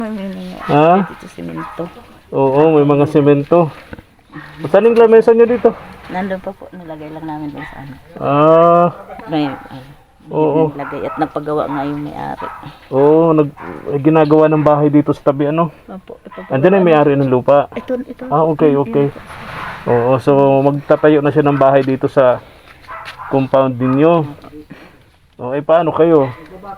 Ha? Dito semento. Oo, may mga semento. Saan yung lamesa nyo dito? Nandun pa po, nilagay lang namin doon sa ano. Ah, May, oo. nilagay at napagawa nga yung may-ari. Oo, ginagawa ng bahay dito sa tabi, ano? Opo, Andyan ang may-ari ng lupa. Ito. Ah, okay. Oo, so magtatayo na siya ng bahay dito sa compound ninyo. Okay, paano kayo?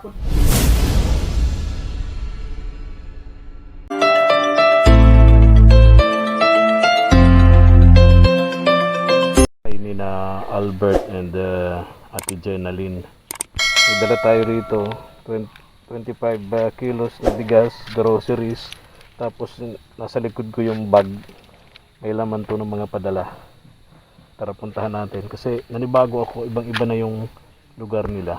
Ni na Albert and Ate Jenaline. Dala tayo rito 25 kilos na bigas, groceries. Tapos nasa likod ko yung bag. May laman to ng mga padala. Tara puntahan natin kasi nanibago ako, ibang-iba na yung lugar nila.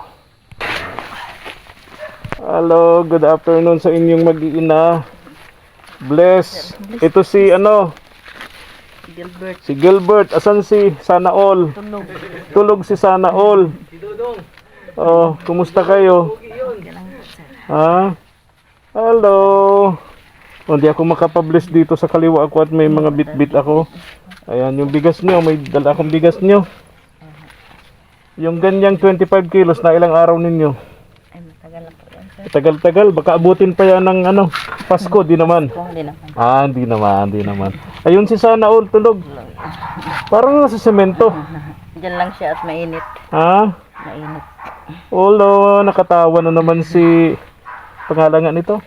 Hello, good afternoon sa inyong mag-iina. Bless. Ito si Gilbert. Si Gilbert. Asan si Sana All? Tulog si Sana All. Oh, kumusta kayo? Ha? Hello. Hindi ako makapabless dito sa kaliwa ako at may mga bit-bit ako. Ayan, yung bigas nyo. May dala akong bigas nyo. Yung ganyang 25 kilos na ilang araw ninyo? Ay, matagal na po yan, sir. Tagal-tagal. Baka abutin pa yan ng Pasko. Di naman. Hindi naman. Ah, hindi naman. Ayun si Sana All, tulog. Parang nasa semento. Diyan lang siya at mainit. Ha? Mainit. Olo, nakatawa na naman si pangalan nga nito.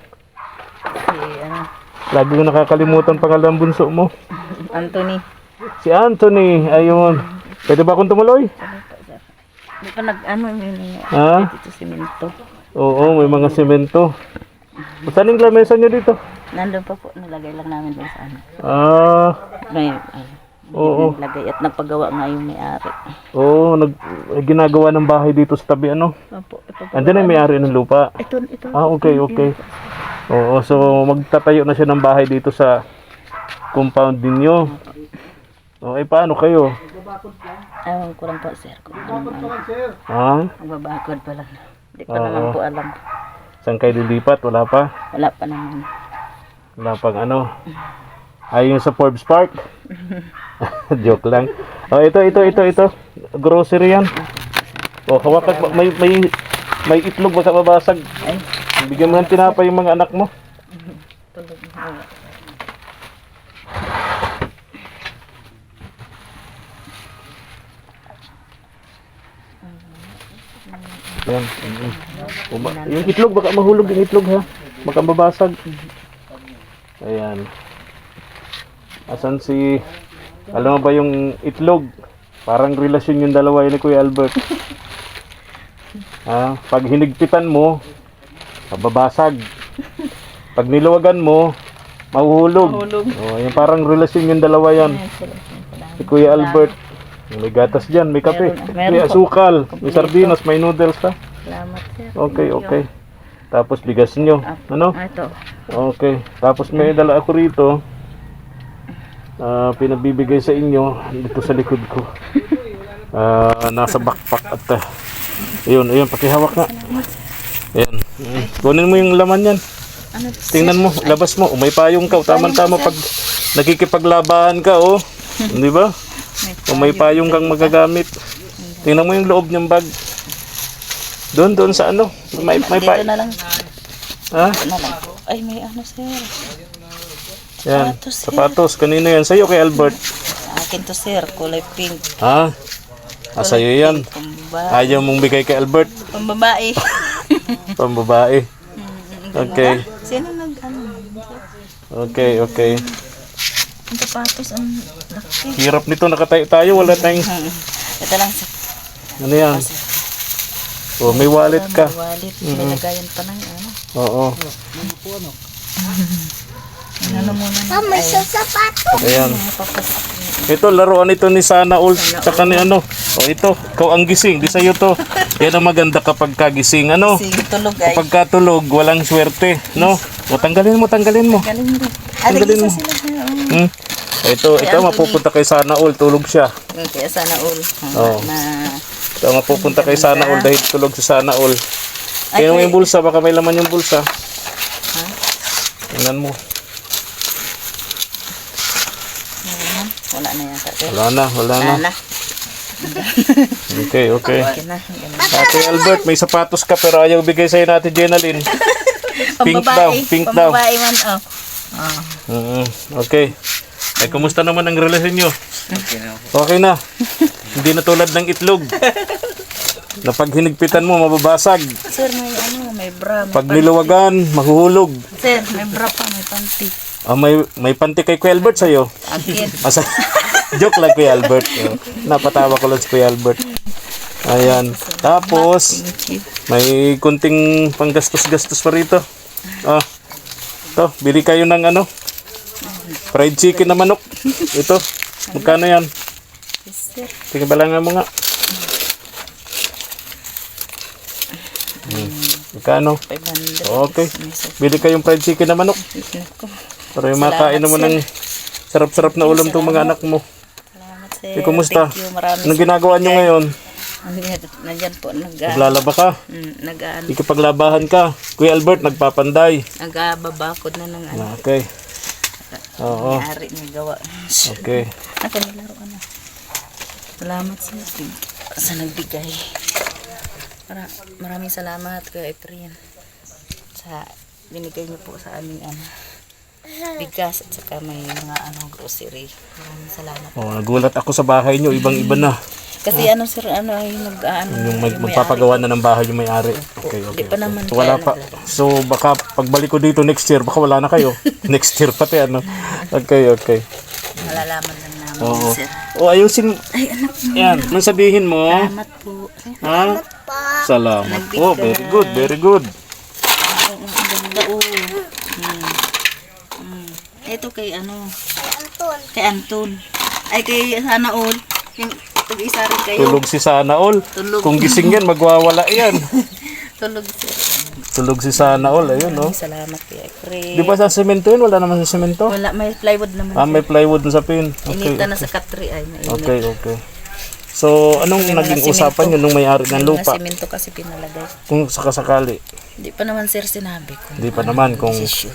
Lagi ko nakakalimutan pangalan bunso mo. Anthony. Si Anthony, ayun. Pwede ba akong tumuloy? Hindi pa Ha? dito semento. Oo, may mga semento. Saan yung lamesa nyo dito? Nandun pa po, nilagay lang namin doon sa ano. Ah, May, oo. nilagay at napagawa nga yung may-ari. Oo, ginagawa ng bahay dito sa tabi, ano? Opo, Andyan ang may-ari ng lupa. Ito. Ah, okay. Oo, so magtatayo na siya ng bahay dito sa compound ninyo. Okay, paano kayo? Ewan ko lang po, sir. Kung ano. Ha? Magbabakod pa lang. Hindi pa naman po alam. Saan kayo lilipat? Wala pa? Wala pa naman. Wala pang ano? Ayun sa Forbes Park? Joke lang. Oh, ito. Grocery yan. Oh, hawakan mo. May itlog baka mabasag. Ay, Bigyan mo ng tinapay yung mga anak mo. tulog na. Yan. Yung itlog, baka mahulog yung itlog ha. Baka mabasag. Ayan. Asan si... Alam mo ba yung itlog? Parang relasyon yung dalawa yun ni Kuya Albert. Ha? Pag hinigpitan mo, mababasag. Pag niluwagan mo, mahuhulog. Oh, yung parang relasyon yung dalawa yan. Si Kuya Albert. May gatas dyan, may kape, may asukal, may sardinas, may noodles ha. Salamat, sir. Okay. Tapos bigas nyo. Ano? Ito. Okay. Tapos may dala ako rito. Pinabibigay sa inyo dito sa likod ko. Nasa backpack at ayun, pakihawak nga. Ayan. Kunin mo yung laman yan. Tingnan mo, labas mo. May payong ka. Tama-tama pag nakikipaglabahan ka, oh. Di ba? Kung may payong kang magagamit. Tingnan mo yung loob ng bag. Doon sa ano. May Dito payong. na lang. Ha? Ay, may ano, sir. Yan. Sapatos, sir. Sapatos. Kanino yan? Sa'yo kay Albert. Akin to, sir. Kulay pink. Ha? Sa'yo yan. Pambabae. Ayaw mong bigay kay Albert. Pambabae. Pambabae. Okay. Sino nag-ano? Okay. Ang sapatos, ang laki. Hirap nito. Nakatayo tayo. Wala tayong... Ito lang, sir. Ano yan? Oh, may wallet ka. May wallet. May lagayan pa ng ano. Oo. Ano muna na. May sapatos. Ayan. Ito, laruan ito ni Sana All. Tsaka ni ano. O ito, ikaw ang gising. Di sa'yo to. Yan ang maganda kapag kagising. Ano? Sige, tulog ay. Kapag katulog, walang swerte. No? O, tanggalin mo. Galing mo. Tanggalin mo. Sila, sir. Ito, mapupunta kay Sana All. Tulog siya. Kaya sana all. Oo. Ito, mapupunta kay Sana All dahil tulog si Sana All. Ay, Kaya yung bulsa, baka may laman yung bulsa. Tingnan mo. Wala na yata. Sir. Wala na. Wala na. Okay. Okay na. Ganun. Ate Albert, may sapatos ka pero ayaw bigay sa'yo natin, Jenalyn. Pink daw, pink daw. Pambabae man, Okay. Ay, kumusta naman ang relasyon nyo? Okay na. Hindi na tulad ng itlog. Na pag hinigpitan mo, mababasag. Sir, may bra. May Pag niluwagan, mahuhulog. Sir, may bra pa, may panty. May panty kay Kuya Albert sa'yo. Again. Joke lang, Kuya Albert. Napatawa ko lang si Kuya Albert. Ayan. Tapos, may kunting panggastos-gastos pa rito. Ito, bili kayo ng fried chicken na manok. Ito, magkano yan? Yes, sir. Tingnan balangan mo nga. Magkano? 500. Okay. Bili kayong fried chicken na manok. Para yung makain naman ng sarap-sarap na ulam itong mga anak mo. Salamat, sir. Kumusta? Thank you. Maraming Anong ginagawa nyo ngayon? Nandyan po, Naglalaba ka? Ikipaglabahan ka. Kuya Albert, nagpapanday. nagababakod na ng Okay. Oo. May-ari may gawa. Okay. Ako nilaro ka na. Salamat sa nagbigay. Maraming salamat kay Efren sa binigay niyo po sa aming bigas at saka may mga grocery. Maraming salamat. Nagulat ako sa bahay nyo. Ibang-iba na. Kasi sir, ay Yung magpapagawa na ng bahay yung may-ari. Okay. Hindi pa naman Wala pa. So, baka pagbalik ko dito next year, baka wala na kayo. Next year pati, Okay. malalaman lang namin, sir. Ayusin. Ay, anak mo. Yan. Anong sabihin mo? Salamat po. Ha? Salamat po. Very good. Ang ganda, Ito kay Kay Anton. Ay, kay Sana All. Yung tag-isa rin kayo. Tulog si Sana All. Tulog. Kung gising yan, magwawala yan. Tulog, sir. Tulog si Sana All. Ayun, Salamat kay Efren. Di ba sa semento yun? Wala naman sa semento? Wala, may plywood naman. May plywood na sa pin. Inita na sa katri ay mainit. Okay. So, anong naging usapan nyo nung may-ari ng lupa? Mga simento kasi pinalagay. Kung sakasakali. Hindi pa naman, sir, sinabi ko. Hindi pa naman kung... Desisyon.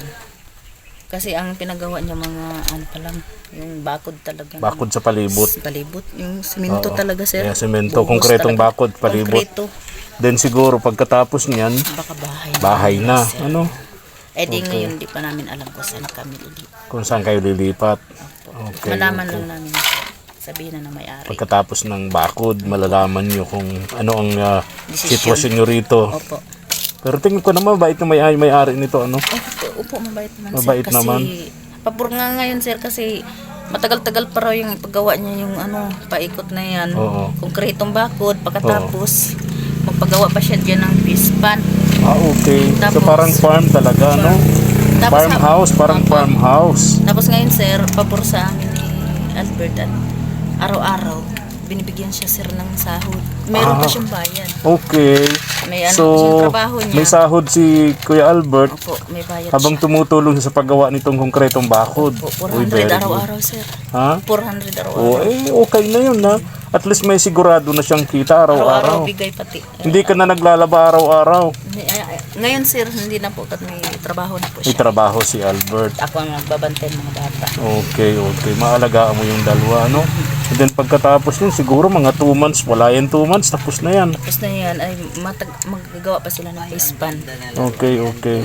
Kasi ang pinagawa niya mga pa lang, yung bakod talaga. Bakod sa palibot. Palibot. Yung simento talaga, sir. Yeah, semento. Buhos Konkretong talaga. bakod, palibot. Konkreto. Then siguro, pagkatapos niyan, Baka bahay na. sir. Ngayon, di pa namin alam kung saan kami lilipat. Kung saan kayo lilipat. Okay. Malaman lang namin. Sabihin na may-ari. Pagkatapos ng bakod, malalaman nyo kung ano ang Desisyon. sitwasyon nyo rito. Opo. Pero tingin ko naman, mabait na may-ari nito, Opo, mabait naman, Mabait sir. Kasi, naman. pabor nga ngayon, sir, kasi matagal-tagal pa raw yung ipagawa niya yung paikot na yan. Oo. Konkretong bakod, pagkatapos, magpagawa pa siya dyan ng fish pan. Okay. So Tapos- parang farm talaga, no? Tapos, Farmhouse, parang farmhouse. Tapos ngayon, sir, pabor sa amin ni Albert at araw-araw, binibigyan siya, sir, ng sahod. Meron pa siyang bayan. Okay. May So, siyang trabaho niya. may sahod si Kuya Albert Opo, may bayad habang siya. tumutulong siya sa paggawa nitong konkretong bakod. Opo, Uy, 400 very good. araw-araw, sir. Ha? 400 araw-araw. Okay na yun, ha? At least may sigurado na siyang kita Araw-araw araw-araw. bigay pati. Hindi ka na naglalaba araw-araw. Ngayon, sir, hindi na po, may trabaho na po May siya. trabaho si Albert. Ako ang nagbabantay ng mga bata. Okay. Maalagaan mo yung dalawa, no? And then pagkatapos yun, siguro mga 2 months, wala yan 2 months, tapos na yan. Tapos na yan, ay magagawa pa sila ng face pan. Okay.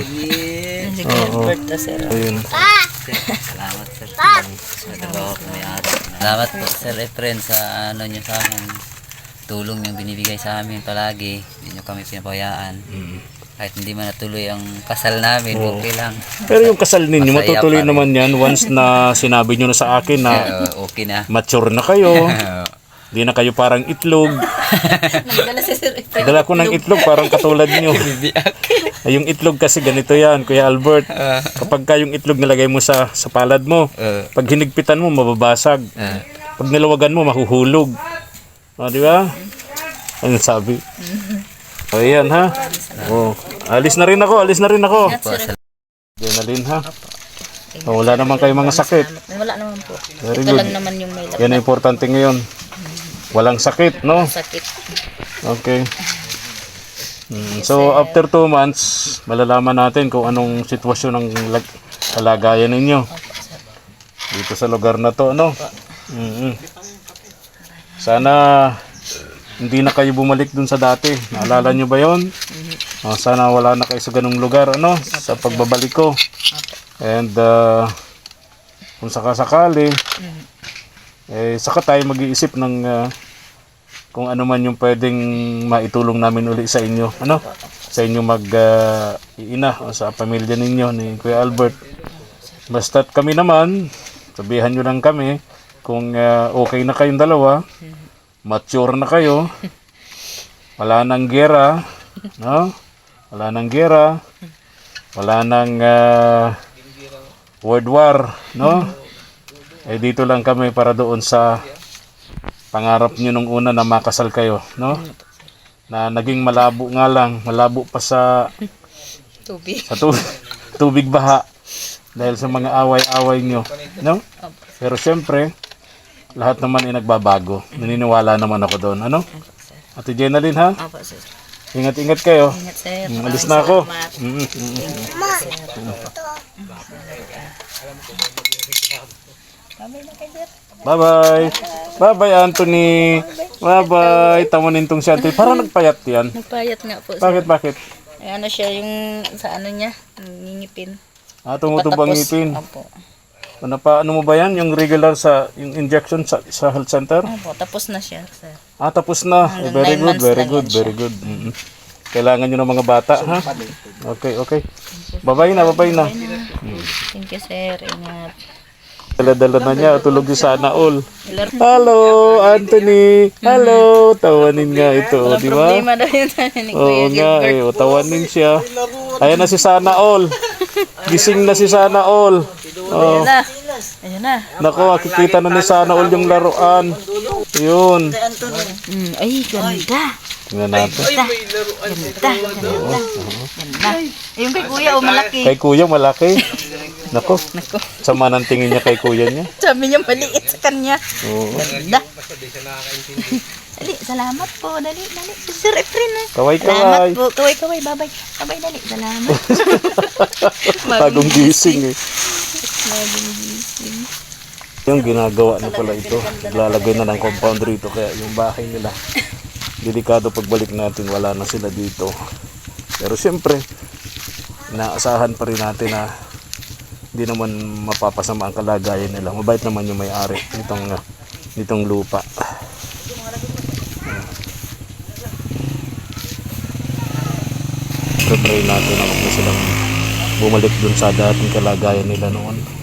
Sige, Albert, sir. Ayun. Salamat sir. Salamat po Sir Efren sa nyo sa amin. Tulong yung binibigay sa amin palagi. Hindi nyo kami pinabayaan. Kahit hindi man natuloy ang kasal namin, okay lang. Pero yung kasal ninyo, Masaya matutuloy pa rin. naman yan once na sinabi nyo na sa akin na Okay na. mature na kayo. Hindi na kayo parang itlog. Nagdala si Sir Efren. Dala ko ng itlog parang katulad nyo. Ay, yung itlog kasi ganito yan, Kuya Albert. Kapag ka yung itlog nilagay mo sa palad mo, pag hinigpitan mo, mababasag. Pag nilawagan mo, mahuhulog. Di ba? Ano sabi? O yan, ha? Alis na rin ako. Adrenaline, ha? Wala naman kayo mga sakit. Wala naman po. Very Ito good. lang naman yung may Yan ang importante ngayon. Walang sakit, no? sakit. Okay. So, after 2 months, malalaman natin kung anong sitwasyon ng kalagayan ninyo Opo, sir. dito sa lugar na to, ano? Mm. Sana hindi na kayo bumalik dun sa dati. Naalala nyo ba yon? Sana wala na kayo sa ganung lugar, ano? Sa pagbabalik ko. And kung sakasakali, saka tayo mag-iisip ng kung ano man yung pwedeng maitulong namin uli sa inyo, ano? Sa inyo mag-iina o sa pamilya ninyo ni Kuya Albert. Basta't kami naman, sabihan nyo lang kami kung okay na kayong dalawa, mature na kayo, wala nang gera, no? Wala nang gera, wala nang world war, no? Dito lang kami para doon sa pangarap nyo nung una na makasal kayo, no? Na naging malabo nga lang, malabo pa sa Tubig. tubig baha dahil sa mga away-away nyo, no? Pero syempre, lahat naman ay nagbabago. Naniniwala naman ako doon, ano? Opo, sir. Ate Jenalyn, ha? Opo, sir. Ingat-ingat kayo. Ingat, sir. Alis na ako. Salamat. Mm. Babay na kayo, sir. Bye-bye. Bye-bye, Anthony. Bye-bye. Tamunin tong si Anthony. Parang nagpayat yan. Nagpayat nga po, sir. Bakit? Ay, ano siya, yung sa ano niya, ngingipin. Tumutubo ang Patapos. ngipin. Opo. Ano mo ba yan? Yung regular yung injection sa health center? Opo, tapos na siya, sir. Tapos na. Hanggang Very 9 good, months very lang good, yan siya. very good. Kailangan nyo ng mga bata, ha? Okay. Bye-bye na. Thank you, sir. Ingat. Dala-dala na niya, tulog si Sana All. Hello, Anthony. Hello. Tawanin nga ito, di ba? Problema daw yun sa ni Oo Kuya nga, Gilbert. tawanin siya. Ayan na si Sana All. Gising na si Sana All. Oh. Ayun na. Nako, makikita na ni Sana All yung laruan. Yun. Ay, ganda. Tingnan natin. Ganda. Ayun kay Kuya, malaki. Kay kuya, malaki. Nako, Nako. sama ng tingin niya kay kuya niya. Sabi niya maliit sa kanya. Oo. Ganda. Dali, salamat po. Dali. Sir Efren. Kaway-kaway. Salamat po. Kaway. Babay. Babay, dali. Salamat. Bagong gising eh. Bagong gising. Yung ginagawa na pala ito, naglalagay na ng compound rito kaya yung bahay nila delikado pagbalik natin, wala na sila dito. Pero siyempre inaasahan pa rin natin na hindi naman mapapasama ang kalagayan nila. Mabait naman yung may-ari nitong lupa. Pero pray natin na huwag na silang bumalik dun sa dating kalagayan nila noon.